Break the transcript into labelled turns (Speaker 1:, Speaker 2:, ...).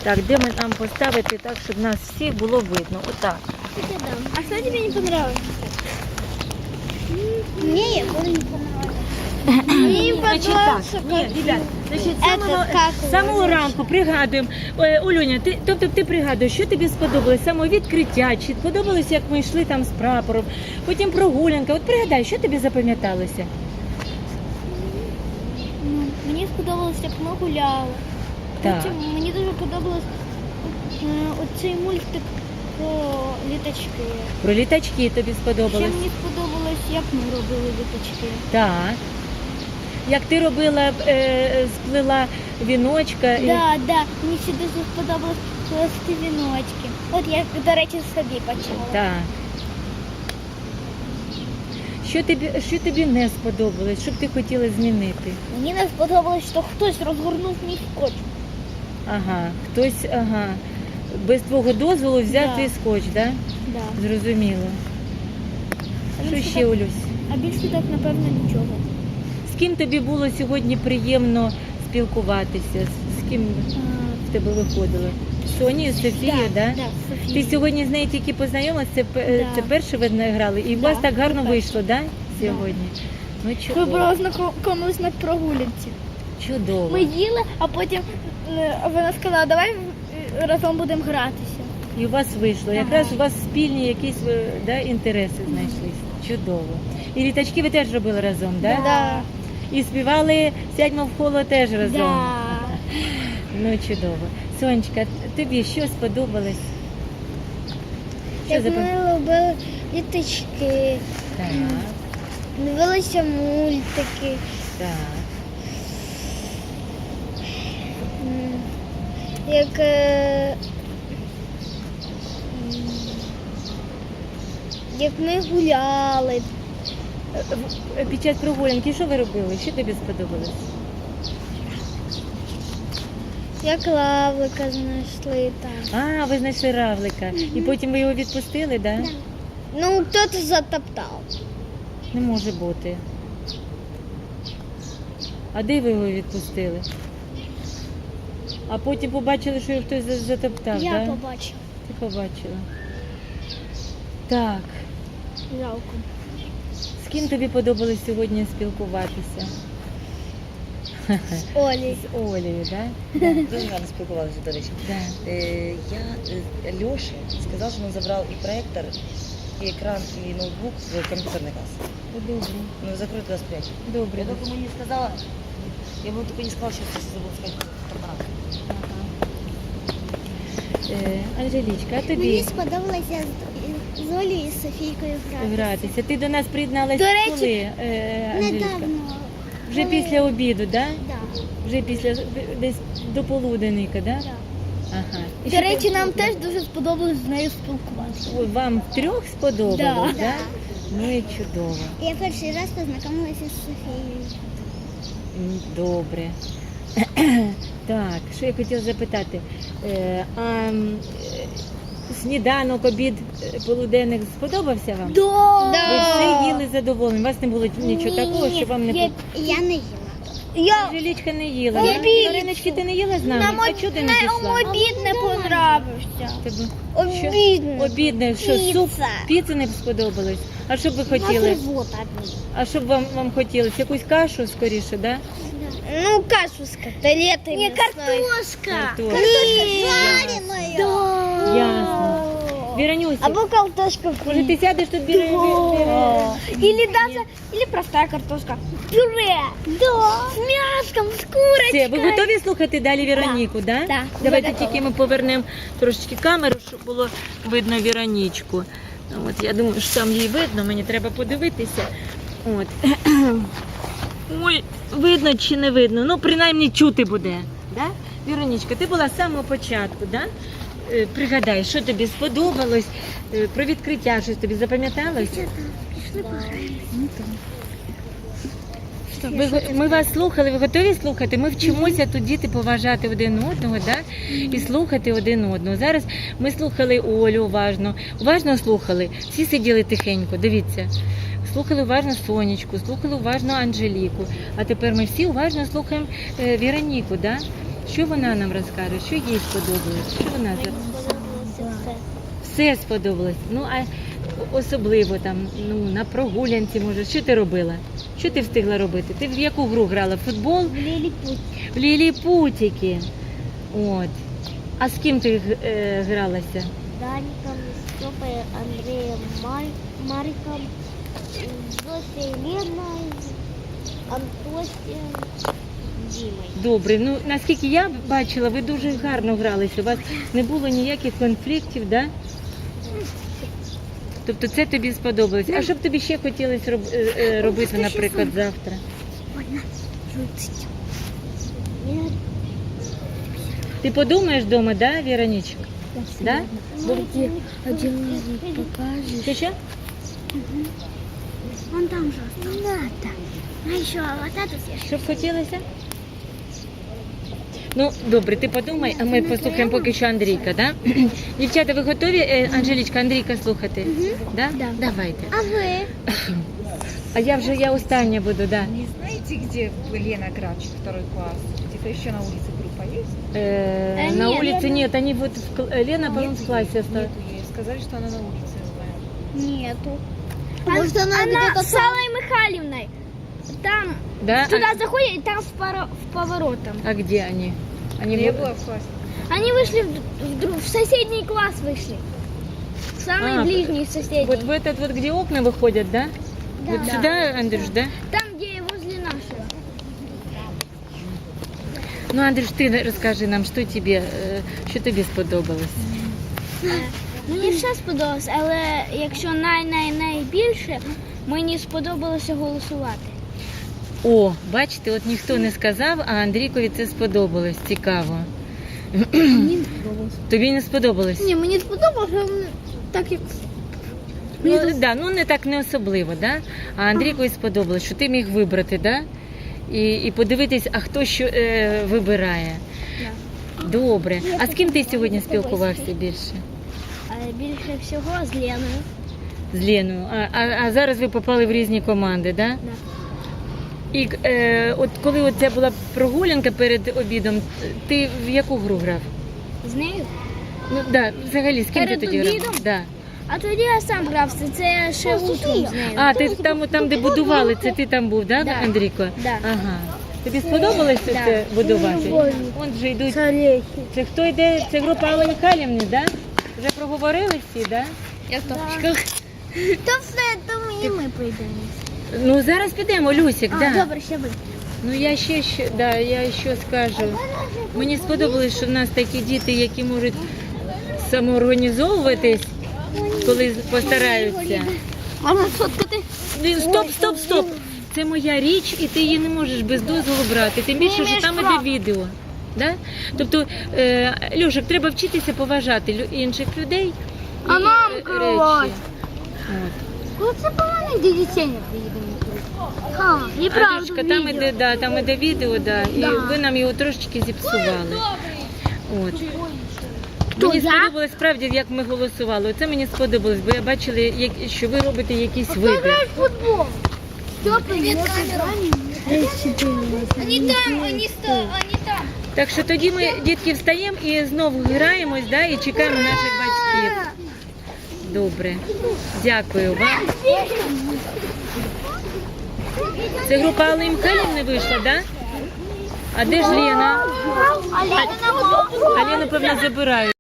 Speaker 1: Так, де ми нам поставити так, щоб нас всіх було видно? Отак.
Speaker 2: А что тебе не понравилось? Мне Егор не понравился. Мне не
Speaker 1: Значить
Speaker 2: понравился.
Speaker 1: так, ні, ребят, значить,
Speaker 2: Это как
Speaker 1: з самого ранку пригадуємо. Олюня, ти пригадуєш, що тобі сподобалось? Саме відкриття, чи сподобалось, як ми йшли там з прапором, потім прогулянка. От пригадай, що тобі запам'яталося?
Speaker 2: Мені сподобалось, як ми гуляли.
Speaker 1: Так.
Speaker 2: Потім мені дуже подобалось оцей мультик про літачки.
Speaker 1: Про літачки тобі
Speaker 2: Ще
Speaker 1: сподобалось?
Speaker 2: мені сподобалось, як ми робили літачки.
Speaker 1: Так. Як ти робила, сплела віночка.
Speaker 2: Да. Мені ще дуже сподобалось плести віночки. От я, до речі, собі почала.
Speaker 1: Так. Що тобі не сподобалось? Що б ти хотіла змінити?
Speaker 2: Мені не сподобалось, що хтось розгорнув мій скотч.
Speaker 1: Ага, хтось, без твого дозволу взяв
Speaker 2: Да.
Speaker 1: твій скотч, так?
Speaker 2: Да.
Speaker 1: Зрозуміло.
Speaker 2: А
Speaker 1: Що
Speaker 2: більше
Speaker 1: ще,
Speaker 2: так-
Speaker 1: Олюсь?
Speaker 2: А більше так, напевно, нічого.
Speaker 1: З ким тобі було сьогодні приємно спілкуватися? З ким в тебе виходило? З Сонією, з Софією, да?
Speaker 2: Да,
Speaker 1: Ти
Speaker 2: Софія.
Speaker 1: сьогодні з нею тільки познайомилася, це перше ви грали, і у
Speaker 2: Да,
Speaker 1: вас так гарно
Speaker 2: це
Speaker 1: вийшло, да, сьогодні? Ну,
Speaker 2: Ми
Speaker 1: чудово.
Speaker 2: були знайомились на прогулянці.
Speaker 1: Чудово.
Speaker 2: Ми їли, а потім вона сказала, давай разом будемо гратися.
Speaker 1: І у вас вийшло.
Speaker 2: Ага.
Speaker 1: Якраз у вас спільні якісь інтереси знайшлись. Чудово. І літачки ви теж робили разом, так?
Speaker 2: Да.
Speaker 1: І співали «Сядьмо в коло» теж разом.
Speaker 2: Да.
Speaker 1: Ну, чудово. Сонечка, тобі що сподобалось? Що
Speaker 2: Як ми робили літачки,
Speaker 1: Так,
Speaker 2: дивилися мультики.
Speaker 1: так.
Speaker 2: Як як ми гуляли.
Speaker 1: Під час прогулянки що ви робили? Що тобі сподобалось?
Speaker 2: Як лавлика знайшли там.
Speaker 1: А, ви знайшли равлика. І потім ви його відпустили, так? Да?
Speaker 2: Ну, хтось затоптав.
Speaker 1: Не може бути. А де ви його відпустили? А потім побачили, що його хтось затоптав,
Speaker 2: Я
Speaker 1: да?
Speaker 2: побачила.
Speaker 1: Ти побачила. Так.
Speaker 2: Жалко.
Speaker 1: З ким тобі подобалось сьогодні спілкуватися?
Speaker 2: Олі.
Speaker 1: З Олею, так?
Speaker 3: Дуже гарно спілкувалися, до речі.
Speaker 1: Да?
Speaker 3: Льоша сказав, що він забрав і проєктор, і екран, і ноутбук в комп'ютерний клас.
Speaker 1: Добре.
Speaker 3: Ну, закритий клас 5.
Speaker 1: Добре.
Speaker 3: Я только мені сказала, я ему только не сказала, що я забув сказати апарат.
Speaker 1: Анжелічка, а
Speaker 2: Мені
Speaker 1: тобі
Speaker 2: сподобалося з Олею і Софійкою грати.
Speaker 1: гратися? Ти до нас приєдналася
Speaker 2: До речі,
Speaker 1: коли, Анжелічка?
Speaker 2: Недавно.
Speaker 1: Вже
Speaker 2: коли-
Speaker 1: після обіду, так? Да?
Speaker 2: Да.
Speaker 1: Вже після десь до полуденника, так? Да?
Speaker 2: Да.
Speaker 1: Ага. І
Speaker 2: До
Speaker 1: що
Speaker 2: речі,
Speaker 1: ти-
Speaker 2: нам теж дуже сподобалось з нею спілкуватися.
Speaker 1: Ой, вам втрьох сподобалось,
Speaker 2: Да.
Speaker 1: да? Ну і чудово.
Speaker 2: Я перший раз познайомилася з Софією.
Speaker 1: Добре. Так, що я хотіла запитати. Сніданок, обід, полуденник сподобався вам? Ви все їли задоволені? У вас не було нічого такого, що вам не подобалося?
Speaker 2: Я не їла.
Speaker 1: Анжелічка не їла.
Speaker 2: Я
Speaker 1: да?
Speaker 2: піцу.
Speaker 1: Мариночки, ти не їла з нами? А чого ти не пішла?
Speaker 2: обід не понравився.
Speaker 1: Тебе-
Speaker 2: Обідно.
Speaker 1: Що? Обідне, що суп,
Speaker 2: Піца.
Speaker 1: піци не сподобалось? А що б ви хотіли? А що б вам хотілося? Якусь кашу скоріше, да?
Speaker 2: Ну, кашу с котлетами. Не, картошка.
Speaker 1: Картошка.
Speaker 2: Жареная. Да.
Speaker 1: Ясно. Віронюся,
Speaker 2: Або картошка
Speaker 1: може ти сядеш тут біля...
Speaker 2: Или даже, или простая картошка. Пюре. Да. С мяском, с курочкой.
Speaker 1: Все, ви готові слухати далі Віроніку, да?
Speaker 2: Да.
Speaker 1: Давайте
Speaker 2: Я готова.
Speaker 1: тільки ми повернемо трошечки камеру, щоб було видно Віронічку. От, я думаю, що там її видно, мені треба подивитися. От. Ой, видно чи не видно? Ну, принаймні чути буде. Да? Віронічка, ти була з самого початку, да? Пригадай, що тобі сподобалось, про відкриття, щось тобі запам'яталось? Ми вас слухали, ви готові слухати? Ми вчимося тут діти поважати один одного, да? І слухати один одного. Зараз ми слухали Олю уважно слухали. Всі сиділи тихенько, дивіться. Слухали уважно Сонечку, слухали уважно Анжеліку. А тепер ми всі уважно слухаємо Віроніку, да? Що вона нам розкаже? Що їй сподобалось? Що вона за...
Speaker 2: Сподобалося
Speaker 1: Все сподобалось. Ну, а особливо там, ну, на прогулянці, може. Що ти робила? Що ти встигла робити? Ти в яку гру грала? В футбол?
Speaker 2: все. В Ліліпут.
Speaker 1: В ліліпутики. От. А з ким ти гралася?
Speaker 2: Даником, Степой, Андреем, Мариком, Зосей, Леной, Антосием, Димой.
Speaker 1: Добре. Ну, наскільки я бачила, ви дуже гарно гралися. У вас не було ніяких конфліктів, да? Тобто це тобі сподобалось. А що б тобі ще хотілося робити, наприклад, завтра? Ти подумаєш вдома, да, Вероничка? Да? Що ще?
Speaker 2: Вон там же остался. Не надо. А еще вот это съешь.
Speaker 1: Що б хотілося? Ну, добре, ти подумай, а ми послухаємо поки що Андрійка, да? Дівчата, ви готові, Анжелічка, Андрійка слухати? Да?
Speaker 2: Да.
Speaker 1: Давайте.
Speaker 2: А вы?
Speaker 1: А я остання буду, да.
Speaker 4: Не знаете, где Лена Грач, второй класс? Где-то еще на улице группа есть?
Speaker 1: На
Speaker 2: нет,
Speaker 1: улице
Speaker 2: Лена-
Speaker 1: нет, они вот, Лена, по-моему, в классе осталась.
Speaker 4: Нету ей. Сказали, что она на улице. знаю.
Speaker 2: Нету. Может, она с Аллой Михайловной. Там,
Speaker 1: Да?
Speaker 2: туда заходит, и там в поворотом.
Speaker 1: А где они? Они
Speaker 4: Я
Speaker 1: в-
Speaker 4: была в классе.
Speaker 2: Они вышли в соседний класс вышли. Самый
Speaker 1: А,
Speaker 2: ближний соседний.
Speaker 1: Вот в этот вот, где окна выходят, да?
Speaker 2: Да.
Speaker 1: Вот сюда, Андрюш, да?
Speaker 2: Там, где возле нашего.
Speaker 1: Ну, Андрюш, ти розкажи нам, що тобі сподобалось?
Speaker 2: Мені все сподобалось, але якщо найбільше, мені сподобалося голосувати.
Speaker 1: О, бачите, от ніхто не сказав, а Андрійкові це сподобалось. Цікаво. Тобі не сподобалось?
Speaker 2: Ні, мені сподобалося, так як...
Speaker 1: Ну, да, ну не так не особливо, да? А Андрійкові сподобалось, що ти міг вибрати, да? І подивитись, а хто що вибирає. Добре. А з ким ти сьогодні спілкувався більше?
Speaker 2: Більше всього з Леною.
Speaker 1: З Леною. А зараз ви попали в різні команди, да?
Speaker 2: Да.
Speaker 1: І от коли от це була прогулянка перед обідом, ти в яку гру грав?
Speaker 2: З нею?
Speaker 1: Ну да, взагалі, з ким
Speaker 2: Перед
Speaker 1: ти тоді грав?
Speaker 2: обідом?
Speaker 1: Да.
Speaker 2: А тоді я сам грав, це ще утром з нею.
Speaker 1: А, ти там, де будували, це ти там був, да,
Speaker 2: Да.
Speaker 1: Андрійко?
Speaker 2: Да.
Speaker 1: Ага. Тобі сподобалось
Speaker 2: Да.
Speaker 1: це будувати?
Speaker 2: Люблю.
Speaker 1: Вон вже йдуть.
Speaker 2: Царехи.
Speaker 1: Це хто йде? Це група Алли Михайлівни, да? Вже проговорили всі, да?
Speaker 2: Я в тапочках. То все, то і ми прийдемо.
Speaker 1: Ну зараз підемо, Люсік, да.
Speaker 2: Добре, ще ви.
Speaker 1: Ну я ще скажу. Мені сподобалось, що в нас такі діти, які можуть самоорганізовуватись, коли постараються.
Speaker 2: Можна сфоткати?
Speaker 1: Стоп. Це моя річ, і ти її не можеш без дозволу брати. Тим більше, що
Speaker 2: маєш
Speaker 1: там
Speaker 2: права.
Speaker 1: іде відео. Да? Тобто, Льошик, треба вчитися поважати інших людей.
Speaker 2: А
Speaker 1: і,
Speaker 2: нам
Speaker 1: речі.
Speaker 2: керувати.
Speaker 1: От.
Speaker 2: Коли це по-моєму дітей не приїдемо.
Speaker 1: Андрюшка, там іде відео, да, і
Speaker 2: Да.
Speaker 1: ви нам його трошечки зіпсували. От.
Speaker 2: Хто,
Speaker 1: Мені
Speaker 2: я?
Speaker 1: сподобалось справді, як ми голосували. Оце мені сподобалось, бо я бачила, що ви робите якийсь вибір.
Speaker 2: в футбол. Они там, они там.
Speaker 1: Так що тоді ми, дітки, встаємо і знову граємось, да, і чекаємо наших батьків. Добре. Дякую вам. Це група Алли Михайлівни вийшла, да? А де ж Лена?
Speaker 2: А Лена
Speaker 1: А Лену, певно, забирають.